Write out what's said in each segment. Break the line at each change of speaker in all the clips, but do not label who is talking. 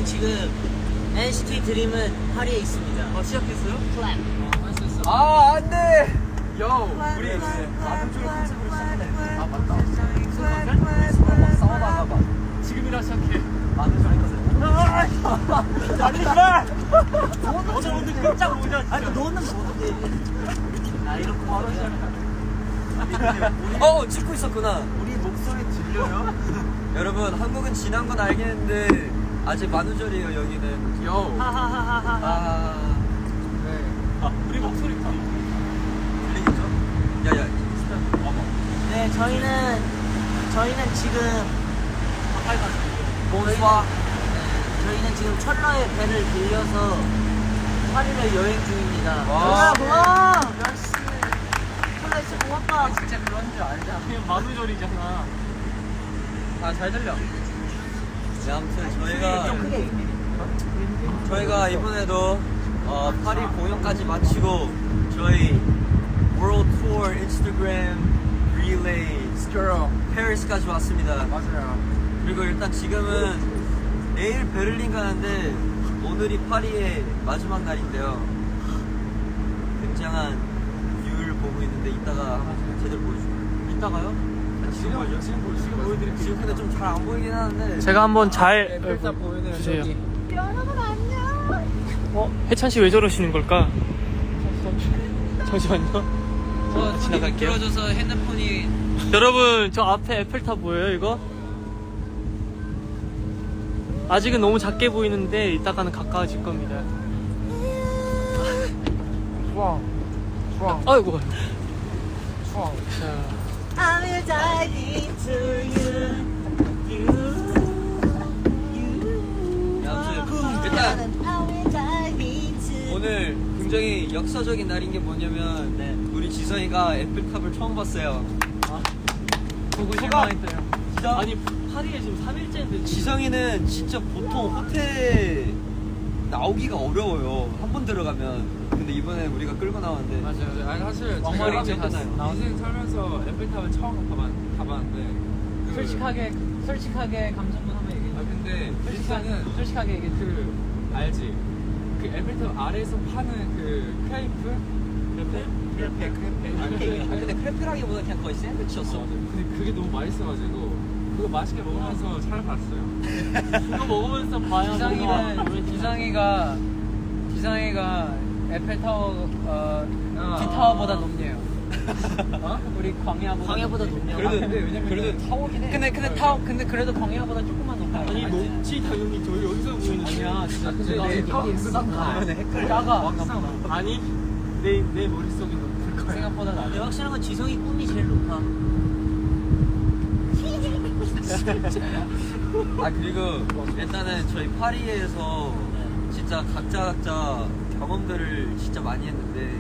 저희는 지금 NCT 드림은 파리에 있습니다.
시작했어요?
클랩.
아 안돼.
우리
마늘조리 컨셉으로 시작했네.
아 맞다.
막 싸워다가 막
지금이라 시작해.
마늘조리 컨셉.
잠시만.
너는 오늘 깜짝 놀랐어.
아니 너는 뭔데? 아 이렇게 바로
찍고 있었구나.
우리 목소리 들려요?
여러분 한국은 지난 건 알겠는데 아직 만우절이에요 여기는.
하하하하하.
우리 목소리
들리겠죠? 야야
네 저희는 지금
몬스와
저희는 지금 철러의 배를 빌려서 파리를 여행 중입니다.
와.
고마워. 역시 철러 진짜 고맙다.
진짜 그런 줄 알잖아.
그냥 만우절이잖아.
아잘 들려. 네 아무튼
좀 크게.
저희가 이번에도 파리 공연까지 마치고 저희 World Tour 인스타그램 릴레이 페리스까지 왔습니다.
맞아요.
그리고 일단 지금은 내일 베를린 가는데 오늘이 파리의 마지막 날인데요. 굉장한 뷰를 보고 있는데 이따가 한번 제대로 보여줄게요.
이따가요?
지금 보여줘?
지금 보여드릴게요.
지금 근데 좀 잘 안 보이긴 하는데
제가 한번 잘
일단 보이는
주세요.
저기.
여러분 안녕.
혜찬 씨 왜 저러시는 걸까? 잠시만요. 지나갈게요.
들어줘서 핸드폰이
여러분 저 앞에 에펠탑 보여요 이거? 아직은 너무 작게 보이는데 이따가는 가까워질 겁니다.
좋아
아이고.
좋아.
자.
I will dive into you.
아무튼 일단
I will dive into.
오늘 굉장히 역사적인 날인 게 뭐냐면
네.
우리 지성이가 애플탑을 처음 봤어요.
보고
실망했대요.
아니 파리에 지금 3일째인데
지성이는 진짜 보통 호텔 나오기가 어려워요. 한 번 들어가면. 근데 이번에 우리가 끌고 나왔는데
맞아요. 아니 사실
왕말이
제가
괜찮아요.
인생 살면서 에펠탑을 처음 가봤는데
솔직하게 감정만 한번 얘기해.
아 근데 일단은
솔직하게 얘기해.
그 알지? 그 에펠탑 아래에서 파는 그 크레이프? 크레페?
아니 근데 크레페라기보다 그냥 거의 샌드위치였어.
근데 그게 너무 맛있어가지고 그거 맛있게 먹으면서 살아봤어요.
이거 먹으면서 봐야
지성이가 에펠타워 T타워보다 높네요. 우리 광야보다 높네요.
그래도 타워긴 해.
근데 그래도 광야보다 조금만 높아요.
아니 높지 당연히 저희 여기서 보이는
아니야 진짜.
근데 내 가면 헷갈려.
작아.
아니 내 머릿속이 높을 거야.
생각보다
근데
낮아.
확실한 건 지성이 꿈이 제일 높아.
아 그리고 일단은 저희 파리에서 진짜 각자 경험들을 진짜 많이 했는데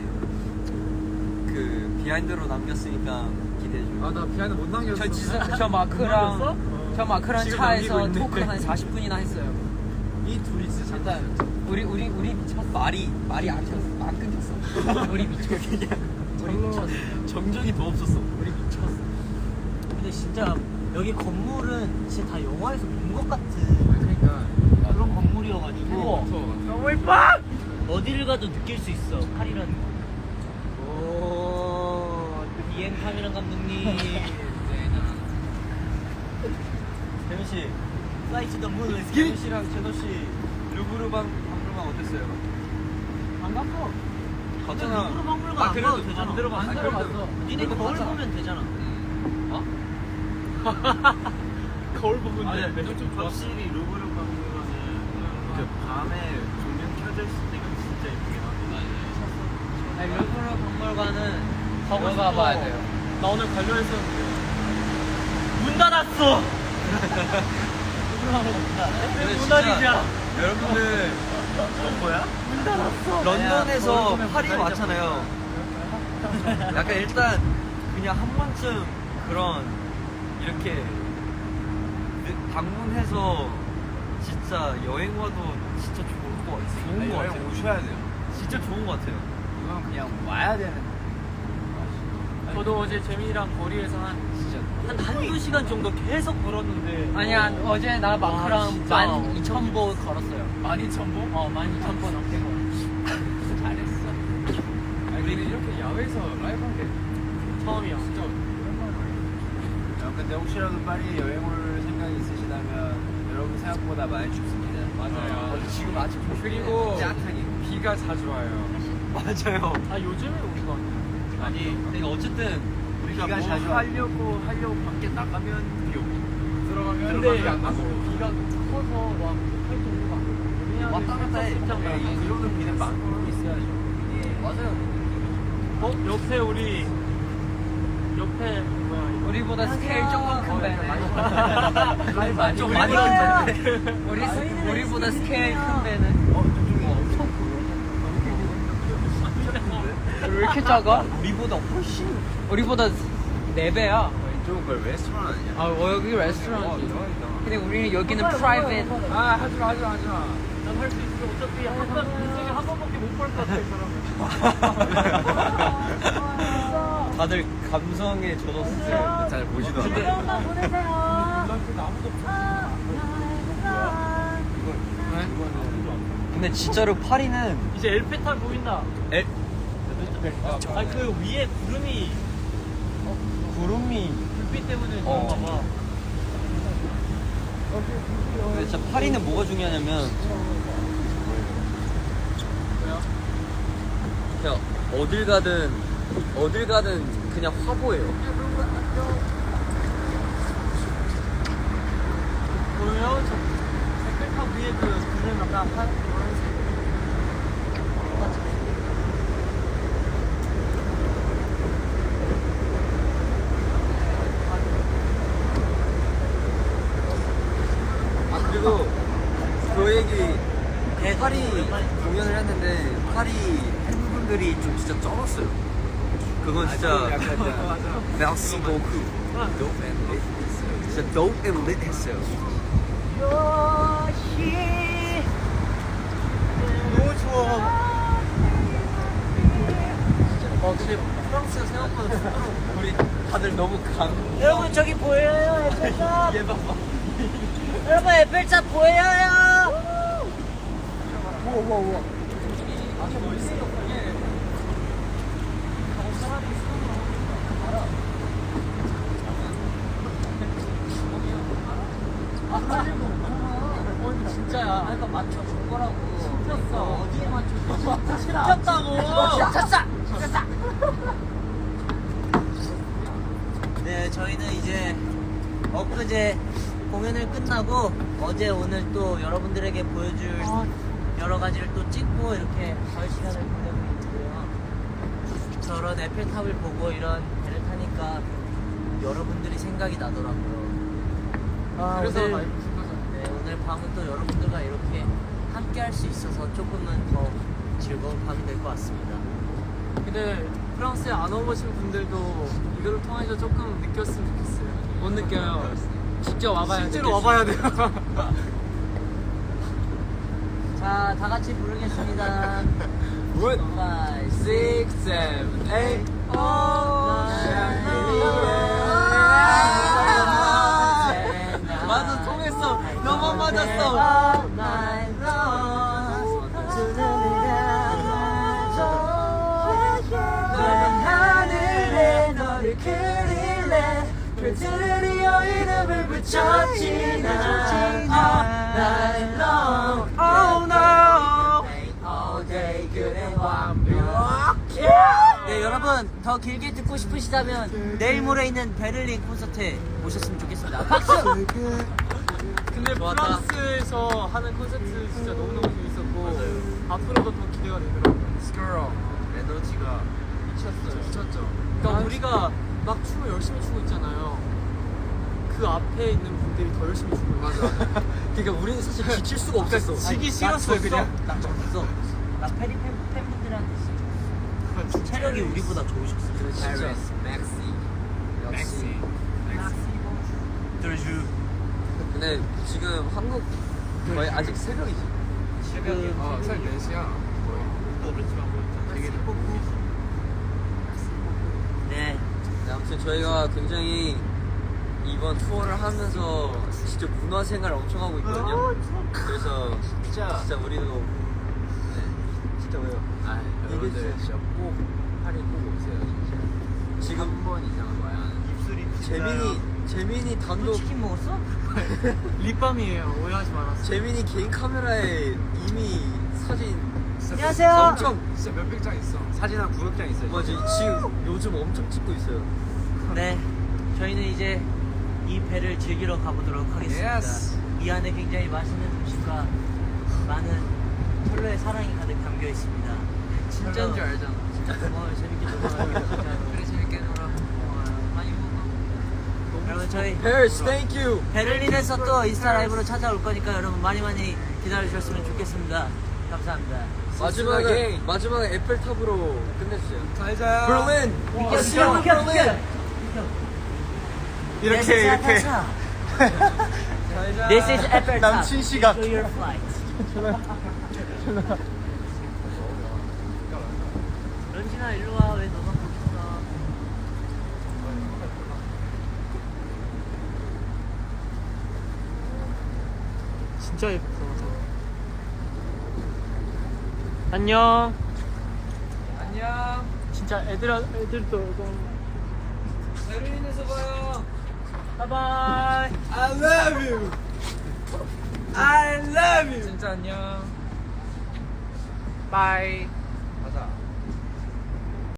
그 비하인드로 남겼으니까 기대해줘요.
아나 비하인드 못 남겼어.
저 마크랑
지금
차에서
남기고
토크
있네.
한 40분이나 했어요.
이 둘이 진짜
일단 우리 미쳤어.
말이 안 끊겼어.
우리 미쳤어. 우리 미쳤어.
정적이 더 없었어.
우리 미쳤어.
근데 진짜 여기 건물은 진짜 다 영화에서 본 것 같은
그러니까
그런 건물이어가지고
너무
어디를 가도 느낄 수 있어 파리라는 거. 오 비행 카메라 감독님.
재민 씨,
Fly to the moon.
재민 씨랑 제노 씨 루브르 박물관 어땠어요?
안 갔어.
갔잖아.
루브르 박물관 안
그래도
가도 되잖아.
안 들어봤어.
안 들어봤어.
니네
그래도
거울
봤잖아.
보면 되잖아.
거울 보면
아니
돼.
좀
확실히 루브르 박물관은 그 밤에 조명 켜져 있을 때가 진짜 예쁘게 나와.
아니, 루브르 박물관은
가고
들어가
싶어.
봐야 돼요.
나 오늘 가려 했었는데.
문 닫았어.
근데
문닫이자.
여러분들
뭐야? 문 닫았어.
런던에서 파리 왔잖아요. 약간 일단 그냥 한 번쯤 그런 이렇게 방문해서 진짜 여행 와도 진짜 좋은 거 같아요.
오셔야 돼요.
진짜 좋은 거 같아요.
이건 그냥 와야 되는.
저도 어제 재민이랑 거리에서 한두 시간 정도 계속 걸었는데.
아니야 어제 나 마크랑
진짜
12,000보 걸었어요.
12,000보?
12,000보 넘게 걸었어.
잘했어. 아니 근데 이렇게 야외에서 라이브 한 게
처음이야.
진짜
근데 혹시라도 파리 여행 올 생각이 있으시다면 여러분 생각보다 많이 춥습니다.
맞아요.
지금 아직
그리고
짜탕이.
비가 자주 와요.
맞아요.
아 요즘에 오는 거 같아.
아니 근데 어쨌든
우리가
비가
뭐
자주 와.
하려고 밖에 나가면 비 오고
들어가면
들어가면
비 안 나고.
비가 커서 막 못할 정도가 아니고.
왔다 갔다 해.
비 오는 비는 막고 있어야죠.
맞아요.
옆에 우리 옆에 뭐야 이거.
우리보다 스케일 조금 큰 배는.
좀 많이 큰데.
우리보다 스케일 큰 배는. 왜 이렇게 작아?
우리보다 훨씬.
우리보다 4배야.
이쪽은 거의 레스토랑 아니야?
아 여기 레스토랑이지. 근데 우리는 여기는 프라이빗.
아 하지마.
난 할 수 있어. 어차피 인생에 한 번밖에 못 볼 것 같아 이 사람은.
다들 감성에 젖었어요. 잘 보지도 않아요. 근데 진짜로 파리는
이제 엘페탈 보인다. 아니 그 위에 구름이
구름이
불빛 때문에 그런가 봐.
근데 진짜 파리는 뭐가 중요하냐면 그냥 어딜 가든 그냥 화보예요.
보여요? 저 색깔탑 위에 그 구름 아까 한
그리고 그 얘기 파리 공연을 했는데 파리 팬분들이 좀 진짜 쩔었어요. 그건 진짜 merci beaucoup. Dope and lit 했어요. 진짜 dope and lit 했어요. 너무 좋아.
근데 프랑스가 생각보다 춥더라고.
우리 다들 너무
여러분 저기 보여요 에펠탑.
얘 봐봐.
여러분 에펠탑 보여요.
진짜야. 아까 맞춰준 거라고.
진짜
어디에 맞춰줬어?
쳤다. 네, 저희는 이제 엊그제 공연을 끝나고 어제 오늘 또 여러분들에게 보여줄 여러 가지를 또 찍고 이렇게 가을 시간을 보내고 있는데요. 저런 에펠탑을 보고 이런 배를 타니까 여러분들이 생각이 나더라고요.
그래서
오늘,
라이브 찍는 거죠.
네, 오늘 밤은 또 여러분들과 이렇게 함께 할 수 있어서 조금은 더 즐거운 밤이 될 것 같습니다.
근데 프랑스에 안 와보신 분들도 이거를 통해서 조금 느꼈으면 좋겠어요. 못 느껴요.
직접 와봐야
실제로 와봐야 돼요.
자, 다 같이 부르겠습니다. 5, 6,
6, 7, 8. 맞아, 통했어. 너만 맞았어.
하늘에 너를 그릴래 별들이여 이름을 붙였지 난 all night long oh no all day 그래 완벽해. 네 여러분 더 길게 듣고 싶으시다면 내일 모레 있는 베를린 콘서트에 오셨으면 좋겠습니다. 박수.
근데
좋았다.
프랑스에서 하는 콘서트 진짜 너무너무 재밌었고 앞으로도 더 기대가 되더라고요.
스컬 에너지가 미쳤죠.
그러니까 우리가 막 춤을 열심히 추고 있잖아요. 그 앞에 있는 분들이 더 열심히 추고 있어요. 맞아.
그러니까 우리는 사실 지칠 수가 없었어.
지기 싫었어요 그냥.
나 졌어. 나 페리 팬분들한테 진짜 체력이 우리보다 좋으셨어.
페리스, 맥시.
드르주.
근데 지금 한국 거의 아직 새벽이지.
지금
새벽 4시야.
또 그렇지만 뭐 되게
네
아무튼 저희가 굉장히 이번 투어를 하면서 진짜 문화생활 엄청 하고 있거든요. 그래서 진짜 우리도 네 진짜 왜요?
아, 여러분들 진짜 꼭 파리 꼭 오세요 진짜.
지금
한 번 이상은 와야 하는. 입술이
재민이 단독
치킨 먹었어?
립밤이에요. 오해하지 말았어.
재민이 개인 카메라에 이미 사진
안녕하세요.
엄청
진짜 몇백 장 있어. 사진 한 900장 있어요.
맞아 지금 요즘 엄청 찍고 있어요.
네, 저희는 이제 이 배를 즐기러 가보도록 하겠습니다.
Yes.
이 안에 굉장히 맛있는 음식과 많은 철로의 사랑이 가득 담겨 있습니다.
진짜인 줄 알잖아.
진짜 고마워요. 재밌게 놀아요.
그래 재밌게 놀아. 많이 먹어.
여러분 저희
Paris, thank you.
베를린에서 또 인스타 라이브로 찾아올 거니까 여러분 많이 기다려주셨으면 좋겠습니다. 감사합니다.
마지막에 에펠탑으로 끝내주세요.
잘 자요.
Berlin.
See you in Berlin.
이렇게 이렇게.
This is Eiffel Top.
남친 시각.
Enjoy your flight. 런쥔아 일로 와. 왜 너만 거기 있어?
진짜 예쁘다. 안녕.
안녕.
진짜 애들도 오고.
베를린에서 봐요.
바이바이.
I love you. I love you.
진짜 안녕. 바이.